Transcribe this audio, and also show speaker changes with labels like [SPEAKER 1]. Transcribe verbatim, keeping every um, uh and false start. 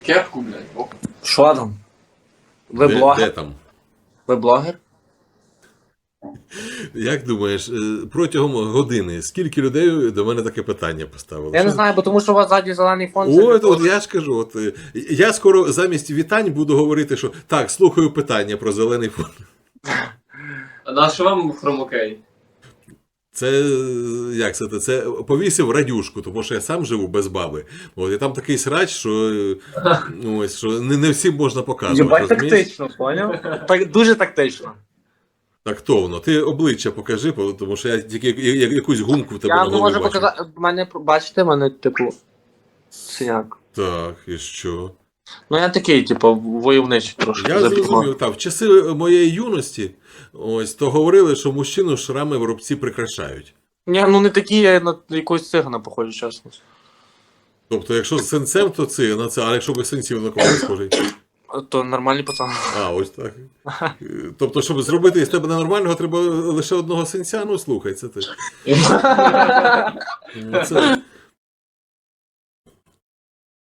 [SPEAKER 1] Кепку, блядь. О.
[SPEAKER 2] Що там? Ви
[SPEAKER 3] Де,
[SPEAKER 2] блогер?
[SPEAKER 3] де там?
[SPEAKER 2] Ви блогер?
[SPEAKER 3] Як думаєш, е, протягом години скільки людей до мене таке питання поставили?
[SPEAKER 2] Я не
[SPEAKER 3] Що-
[SPEAKER 2] знаю, бо тому що у вас ззаді зелений фон.
[SPEAKER 3] Ой,
[SPEAKER 2] це
[SPEAKER 3] от,
[SPEAKER 2] такого.
[SPEAKER 3] от я ж кажу, от, е, я скоро замість вітань буду говорити, що так, слухаю питання про зелений фон.
[SPEAKER 1] А на що вам хромокей?
[SPEAKER 3] Це е, як це? Це повісив радюшку, тому що я сам живу без баби. От, і там такий срач, що, е, ну, ось, що не, не всім можна показувати.
[SPEAKER 2] Єбать
[SPEAKER 3] розумієш?
[SPEAKER 2] тактично, поняв? Так, дуже тактично.
[SPEAKER 3] Тактовно. Ти обличчя покажи, бо- тому що я тільки я- я- якусь гумку в тебе
[SPEAKER 2] Я
[SPEAKER 3] на
[SPEAKER 2] не
[SPEAKER 3] голові
[SPEAKER 2] можу
[SPEAKER 3] бачу.
[SPEAKER 2] показати. В мене, бачите, в мене, типу, синяк.
[SPEAKER 3] Так, і що?
[SPEAKER 2] Ну я такий, типу, войовничий трошки.
[SPEAKER 3] Я
[SPEAKER 2] забігав.
[SPEAKER 3] зрозумів, так, в часи моєї юності, ось, то говорили, що мужчину шрами в рубці прикрашають.
[SPEAKER 2] Ні, ну не такі, я на якогось цигана похожу, чесно.
[SPEAKER 3] Тобто, якщо з синцем, то це, на це, а якщо без синців на кого не схожий?
[SPEAKER 2] То нормальний пацан.
[SPEAKER 3] А, ось так. Тобто, щоб зробити із тебе ненормального, треба лише одного синця, ну слухай, це ти. Ну, це,